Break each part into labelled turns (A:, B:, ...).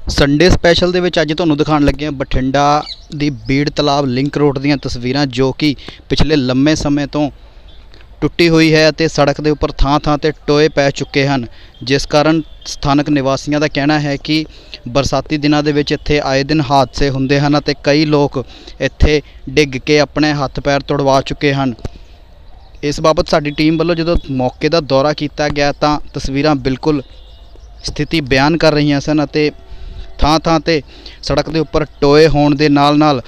A: Sunday special ਦੇ ਵਿੱਚ ਅੱਜ ਤੁਹਾਨੂੰ ਦਿਖਾਉਣ ਲੱਗੇ ਹਾਂ ਬਠਿੰਡਾ ਦੀ ਬੀੜ ਤਲਾਬ ਲਿੰਕ ਰੋਡ ਦੀਆਂ ਤਸਵੀਰਾਂ ਜੋ ਕਿ ਪਿਛਲੇ ਲੰਮੇ ਸਮੇਂ ਤੋਂ ਟੁੱਟੀ ਹੋਈ ਹੈ ਅਤੇ ਸੜਕ ਦੇ ਉੱਪਰ ਥਾਂ-ਥਾਂ ਤੇ ਟੋਏ ਪੈ ਚੁੱਕੇ ਹਨ, ਜਿਸ ਕਾਰਨ ਸਥਾਨਕ ਨਿਵਾਸੀਆਂ ਦਾ ਕਹਿਣਾ ਹੈ ਕਿ ਬਰਸਾਤੀ ਦਿਨਾਂ ਦੇ ਵਿੱਚ ਇੱਥੇ ਆਏ ਦਿਨ ਹਾਦਸੇ ਹੁੰਦੇ ਹਨ ਅਤੇ ਕਈ ਲੋਕ ਇੱਥੇ ਡਿੱਗ ਕੇ ਆਪਣੇ ਹੱਥ ਪੈਰ ਤੁੜਵਾ ਚੁੱਕੇ ਹਨ। ਇਸ ਬਾਬਤ ਸਾਡੀ ਟੀਮ ਵੱਲੋਂ ਜਦੋਂ ਮੌਕੇ ਦਾ ਦੌਰਾ ਕੀਤਾ ਗਿਆ ਤਾਂ ਤਸਵੀਰਾਂ ਬਿਲਕੁਲ ਸਥਿਤੀ ਬਿਆਨ ਕਰ ਰਹੀਆਂ ਸਨ ਅਤੇ ਥਾਂ-ਥਾਂ ਤੇ ਸੜਕ ਦੇ ਉੱਪਰ ਟੋਏ ਹੋਣ ਦੇ ਨਾਲ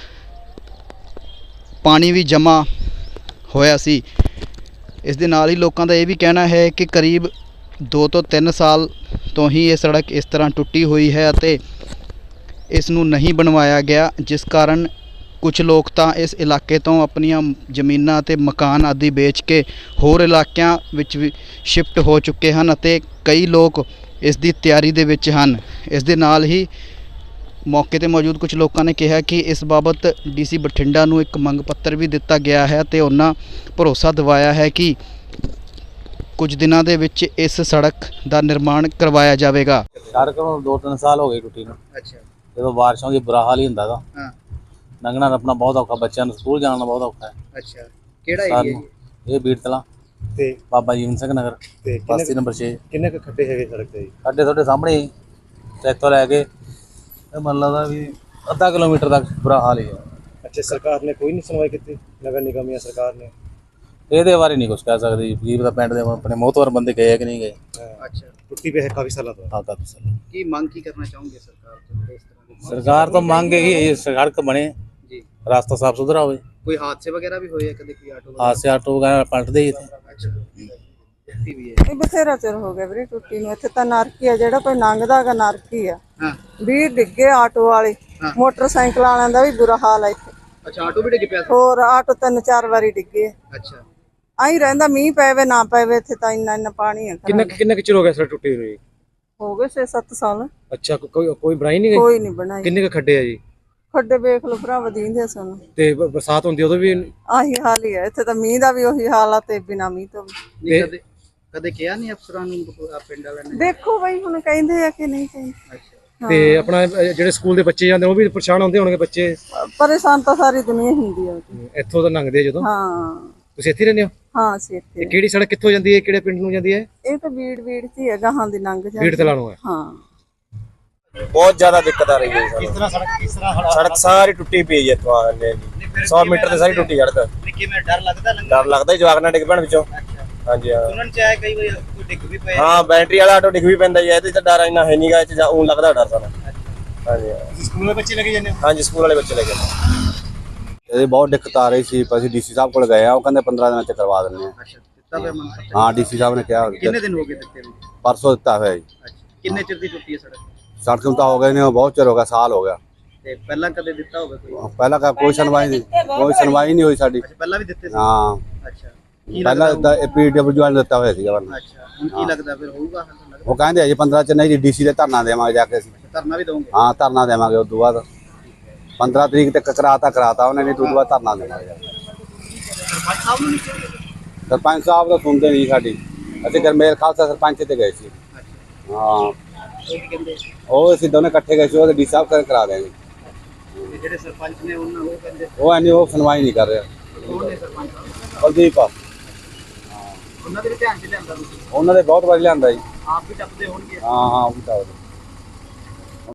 A: ਪਾਣੀ ਵੀ ਜਮ੍ਹਾਂ ਹੋਇਆ ਸੀ। ਇਸ ਦੇ ਨਾਲ ਹੀ ਲੋਕਾਂ ਦਾ ਇਹ ਵੀ ਕਹਿਣਾ ਹੈ ਕਿ ਕਰੀਬ 2 ਤੋਂ 3 ਸਾਲ ਤੋਂ ਹੀ ਇਹ ਸੜਕ ਇਸ ਤਰ੍ਹਾਂ ਟੁੱਟੀ ਹੋਈ ਹੈ ਅਤੇ ਇਸ ਨੂੰ ਨਹੀਂ ਬਣਵਾਇਆ ਗਿਆ, ਜਿਸ ਕਾਰਨ ਕੁਝ ਲੋਕ ਤਾਂ ਇਸ ਇਲਾਕੇ ਤੋਂ ਆਪਣੀਆਂ ਜ਼ਮੀਨਾਂ ਅਤੇ ਮਕਾਨ ਆਦਿ ਵੇਚ ਕੇ ਹੋਰ ਇਲਾਕਿਆਂ ਵਿੱਚ ਵੀ ਸ਼ਿਫਟ ਹੋ ਚੁੱਕੇ ਹਨ ਅਤੇ ਕਈ ਲੋਕ ਇਸ ਦੀ ਤਿਆਰੀ ਦੇ ਵਿੱਚ ਹਨ। ਇਸ ਦੇ ਨਾਲ ਹੀ ਮੌਕੇ 'ਤੇ ਮੌਜੂਦ ਕੁਝ ਲੋਕਾਂ ਨੇ ਕਿਹਾ ਕਿ ਇਸ ਬਾਬਤ ਡੀਸੀ ਬਠਿੰਡਾ ਨੂੰ ਇੱਕ ਮੰਗ ਪੱਤਰ ਵੀ ਦਿੱਤਾ ਗਿਆ ਹੈ ਅਤੇ ਉਹਨਾਂ ਭਰੋਸਾ ਦਿਵਾਇਆ ਹੈ ਕਿ ਕੁਝ ਦਿਨਾਂ ਦੇ ਵਿੱਚ ਇਸ ਸੜਕ ਦਾ ਨਿਰਮਾਣ ਕਰਵਾਇਆ ਜਾਵੇਗਾ।
B: ਸੜਕ ਨੂੰ 2-3 ਸਾਲ ਹੋ ਗਏ ਟੁੱਟੀ ਨੂੰ।
A: ਅੱਛਾ,
B: ਜਦੋਂ ਬਾਰਿਸ਼ਾਂ ਦੀ ਬੁਰਾ ਹਾਲ ਹੀ ਹੁੰਦਾ ਗਾ।
A: ਹਾਂ,
B: ਲੰਘਣਾ ਆਪਣਾ ਬਹੁਤ ਔਖਾ, ਬੱਚਿਆਂ ਨੂੰ ਸਕੂਲ ਜਾਣਾ ਬਹੁਤ ਔਖਾ ਹੈ।
A: ਅੱਛਾ, ਕਿਹੜਾ ਏਰੀਆ
B: ਇਹ ਬੀੜ ਤਲਾ
C: ਤੇ
B: ਬਾਬਾ ਜੀਵਨ ਸਿੰਘ ਨਗਰ
C: ਤੇ
B: ਬਸਤੀ ਨੰਬਰ 6।
C: ਕਿੰਨੇ ਕੁ ਖੱਡੇ ਹੈਗੇ ਸੜਕ ਤੇ ਜੀ?
B: ਸਾਡੇ ਤੁਹਾਡੇ ਸਾਹਮਣੇ ਹੀ ਤੇ ਇੱਥੋਂ ਲੈ ਕੇ ਇਹ ਮੰਨ ਲਾ ਵੀ ਅੱਧਾ ਕਿਲੋਮੀਟਰ ਤੱਕ ਬੁਰਾ ਹਾਲ ਹੀ ਹੈ।
C: ਅੱਛਾ, ਸਰਕਾਰ ਨੇ ਕੋਈ ਨਹੀਂ ਸੁਣਵਾਈ ਕੀਤੀ? ਨਗਰ ਨਿਗਮ ਜਾਂ ਸਰਕਾਰ ਨੇ?
B: ਇਹਦੇ ਬਾਰੇ ਨਹੀਂ ਕੁਝ ਕਹਿ ਸਕਦੇ ਜੀ, ਦਾ ਪਿੰਡ ਦੇ ਆਪਣੇ ਮੋਹਤਵਰ ਬੰਦੇ ਗਏ ਕਿ ਨਹੀਂ ਗਏ।
A: ਅੱਛਾ,
C: ਟੁੱਟੀ ਪਈ ਹੈ ਕਾਫੀ ਸਾਲਾਂ ਤੋਂ।
B: ਹਾਂ, ਕਾਫੀ ਸਾਲ।
A: ਕੀ ਮੰਗ ਕੀ ਕਰਨਾ ਚਾਹੋਗੇ ਸਰਕਾਰ ਤੋਂ? ਇਸ ਤਰ੍ਹਾਂ ਦੀ
B: ਸਰਕਾਰ ਤੋਂ ਮੰਗ ਹੈ ਕਿ ਸੜਕ ਬਣੇ,
A: ਜੀ,
B: ਰਾਸਤਾ ਸਾਫ ਸੁਥਰਾ ਹੋਵੇ।
A: ਕੋਈ ਹਾਦਸੇ ਵਗੈਰਾ ਵੀ ਹੋਏ ਆ ਕਦੇ? ਕੋਈ
B: ਹਾਦਸੇ ਆਟੋ ਵਗੈਰਾ ਪਲਟਦੇ ਹੀ ਇੱਥੇ।
A: ਅੱਛਾ, ਟੁੱਟੀ ਵੀ ਹੈ।
D: ਇਹ ਬਥੇਰਾ ਚਿਰ ਹੋ ਗਿਆ ਵੀਰੇ ਟੁੱਟੀ ਨੂੰ। ਇੱਥੇ ਤਾਂ ਨਰਕੀ ਆ, ਜਿਹੜਾ ਕੋਈ ਲੰਘਦਾ ਗਾ ਨਰਕੀ ਆ।
A: ਹਾਂ,
D: 20 ਡਿੱਗੇ ਆਟੋ ਵਾਲੇ, ਮੋਟਰਸਾਈਕਲ ਵਾਲਿਆਂ ਦਾ ਵੀ ਬੁਰਾ ਹਾਲ ਆ ਇੱਥੇ।
A: ਅੱਛਾ, ਆਟੋ ਵੀ ਡਿੱਗ ਪਿਆ ਸੀ?
D: ਹੋਰ ਆਟੋ 3-4 ਵਾਰੀ ਡਿੱਗੇ।
A: ਅੱਛਾ,
D: ਆਈ ਰਹਿੰਦਾ, ਮੀਂਹ ਪਵੇ ਨਾ ਪਵੇ, ਇੱਥੇ ਤਾਂ ਇੰਨਾ ਪਾਣੀ ਹੈ।
C: ਕਿੰਨਾ ਚਿਰ ਹੋ ਗਿਆ ਸੜਕ ਟੁੱਟੀ ਹੋਈ?
D: ਹੋ ਗਏ 6-7 ਸਾਲ।
C: ਅੱਛਾ, ਕੋਈ ਬਣਾਈ ਨਹੀਂ ਗਈ?
D: ਕੋਈ ਨਹੀਂ ਬਣਾਈ।
C: ਕਿੰਨੇ ਕੁ ਖੱਡੇ ਆ ਜੀ?
D: ਖੱਡੇ ਵੇਖ ਲਓ ਭਰਾ, ਵਧੀਂਦੇ ਸਾਨੂੰ।
C: ਤੇ ਬਰਸਾਤ ਹੁੰਦੀ ਉਦੋਂ ਵੀ?
D: ਆਹੀ ਹਾਲ ਹੀ ਹੈ ਇੱਥੇ ਤਾਂ, ਮੀਂਹ ਦਾ ਵੀ ਉਹੀ ਹਾਲ ਆ ਤੇ ਬਿਨਾਂ ਮੀਂਹ ਤੋਂ ਵੀ।
A: ਨਹੀਂ ਕਦੇ ਕਿਹਾ ਨਹੀਂ ਅਫਸਰਾਂ ਨੂੰ ਪਿੰਡ ਵਾਲਿਆਂ ਨੇ?
D: ਦੇਖੋ ਬਈ ਹੁਣ ਕਹਿੰਦੇ ਆ ਕਿ ਨਹੀਂ ਕਹਿੰਦੇ।
A: ਅੱਛਾ,
C: ਤੇ ਆਪਣਾ ਜਿਹੜੇ ਸਕੂਲ ਦੇ ਬੱਚੇ ਜਾਂਦੇ ਉਹ ਵੀ ਪਰੇਸ਼ਾਨ ਹੁੰਦੇ ਹੋਣਗੇ ਬੱਚੇ?
D: ਪਰੇਸ਼ਾਨ ਤਾਂ ਸਾਰੀ ਦੁਨੀਆ ਹੁੰਦੀ ਆ।
C: ਇੱਥੋਂ ਤਾਂ ਲੰਘਦੇ ਜਦੋਂ।
D: ਹਾਂ
C: ਤੁਸੀਂ ਇੱਥੇ ਰਹਿੰਦੇ ਹੋ?
D: ਹਾਂ, ਅਸੀਂ ਇੱਥੇ।
C: ਕਿਹੜੀ ਸੜਕ ਕਿੱਥੋਂ ਜਾਂਦੀ ਹੈ, ਕਿਹੜੇ ਪਿੰਡ ਨੂੰ ਜਾਂਦੀ ਹੈ?
D: ਇਹ ਤਾਂ ਬੀੜ ਚ ਹੀ ਹੈ, ਗਾਹਾਂ ਦੀ ਲੰਘ ਜਾਂਦੀ।
C: ਬੀੜ ਤਲਾ ਨੂੰ ਹੈ।
D: ਹਾਂ,
E: बहुत ज्यादा दिक्कत आ रही है। किस तरह सड़क सारी टुटी पई है इत्थों आने जी 100 मीटर ते सारी टुटी सड़क।
A: ਕਿਵੇਂ ਡਰ ਲੱਗਦਾ?
E: डर लगदा जवाक ना डिग पैण विचों। हां जी हां,
A: ਸੁਣਨ ਚ ਆਇਆ ਕਈ ਵਾਰ ਕੋਈ ਡਿੱਗ ਵੀ ਪਿਆ।
E: हां बैटरी वाला ऑटो डिग भी पैंदा जी। ਇਹਦੇ ਤੇ ਡਰ ਇੰਨਾ ਹੈ ਨਹੀਂਗਾ, ਇਹ ਊਂ ਲੱਗਦਾ ਡਰ ਸਾਨੂੰ। हां जी हां,
C: ਸਕੂਲ ਦੇ ਬੱਚੇ ਲੈ ਕੇ ਜਾਂਦੇ ਹੋ?
E: हां जी स्कूल वाले बच्चे लगे।
F: ਇਹਦੀ ਬਹੁਤ ਦਿੱਕਤ ਆ ਰਹੀ ਸੀ, ਅਸੀਂ ਡੀਸੀ ਸਾਹਿਬ ਕੋਲ ਗਏ ਆ, ਉਹ ਕਹਿੰਦੇ 15 ਦਿਨਾਂ ਚ ਕਰਵਾ ਦਿੰਦੇ ਆ।
A: ਅੱਛਾ, ਦਿੱਤਾ ਪਿਆ ਮੰਨ?
F: ਹਾਂ, ਡੀਸੀ ਸਾਹਿਬ ਨੇ ਕਿਹਾ।
A: ਕਿੰਨੇ ਦਿਨ ਹੋ ਗਏ ਦਿੱਤੇ ਨੂੰ?
F: ਪਰਸੋਂ ਦਿੱਤਾ ਹੋਇਆ ਜੀ।
A: ਅੱਛਾ, ਕਿੰਨੇ ਚਿਰ ਦੀ ਟੁੱਟੀ ਹੈ ਸੜਕ?
F: ਸੜਕ ਨੂੰ ਤਾਂ ਹੋ ਗਏ ਨੇ ਬਹੁਤ ਚਿਰ ਹੋ ਗਿਆ, ਸਾਲ ਹੋ ਗਿਆ।
A: ਤੇ ਪਹਿਲਾਂ ਕਦੇ ਦਿੱਤਾ ਹੋਵੇ ਕੋਈ?
F: ਪਹਿਲਾਂ ਕੋਈ ਸੁਣਵਾਈ ਨਹੀਂ ਹੋਈ ਸਾਡੀ।
A: ਅੱਛਾ, ਪਹਿਲਾਂ ਵੀ ਦਿੱਤੇ ਸੀ?
F: ਹਾਂ,
A: ਅੱਛਾ,
F: ਪਹਿਲਾਂ PWD ਨੇ ਦਿੱਤਾ ਹੋਇਆ ਸੀਗਾ।
A: ਅੱਛਾ, ਹੁਣ ਕੀ ਲੱਗਦਾ ਫਿਰ ਹੋਊਗਾ?
F: ਉਹ ਕਹਿੰਦੇ ਅਜੇ 15 ਚ ਨਹੀਂ ਜੀ, ਡੀਸੀ ਦੇ ਧਰਨਾ ਦੇਵਾਂਗੇ ਜਾ ਕੇ ਅਸੀਂ।
A: ਧਰਨਾ ਵੀ ਦਵਾਂਗੇ?
F: ਹਾਂ, ਧਰਨਾ ਦੇਵਾਂਗੇ। ਉਸ ਤੋਂ ਬਾਅਦ 15 ਤਰੀਕ ਤੱਕ ਕਰਾਤਾ ਉਹਨੇ, ਨਹੀਂ ਤੋਂ ਬਾਅਦ ਧਰਨਾ ਦੇਵਾਂਗੇ। ਸਰਪੰਚ ਸਾਹਿਬ ਤਾਂ ਸੁਣਦੇ ਨਹੀਂ ਸਾਡੀ। ਅਸੀਂ ਗਰਮੇਲ ਖਾਲਸਾ ਸਰਪੰਚ ਤੇ ਗਏ ਸੀ। ਹਾਂ, ਉਹ ਅਸੀਂ ਦੋਨੇ ਇਕੱਠੇ ਗਏ ਸੀ, ਉਹ ਡੀ ਸਾਹਿਬ ਕਰਾ ਦੇਣਗੇ।
A: ਜਿਹੜੇ ਸਰਪੰਚ ਨੇ ਉਹਨਾਂ ਉਹ ਕਹਿੰਦੇ
F: ਉਹ ਸੁਣਵਾਈ ਨਹੀਂ ਕਰ ਰਿਹਾ।
A: ਕੌਣ ਨੇ ਸਰਪੰਚ?
F: ਕੁਲਦੀਪ।
A: ਉਹਨਾਂ ਦੇ ਧਿਆਨ ਚ ਲਿਆਂਦਾ ਤੁਸੀਂ?
F: ਉਹਨਾਂ ਦੇ ਬਹੁਤ ਵਾਰੀ ਲਿਆਂਦਾ ਜੀ।
A: ਆਪ ਵੀ ਟੱਪਦੇ ਹੋਣਗੇ?
F: ਹਾਂ, ਉਹ ਵੀ ਤਾਂ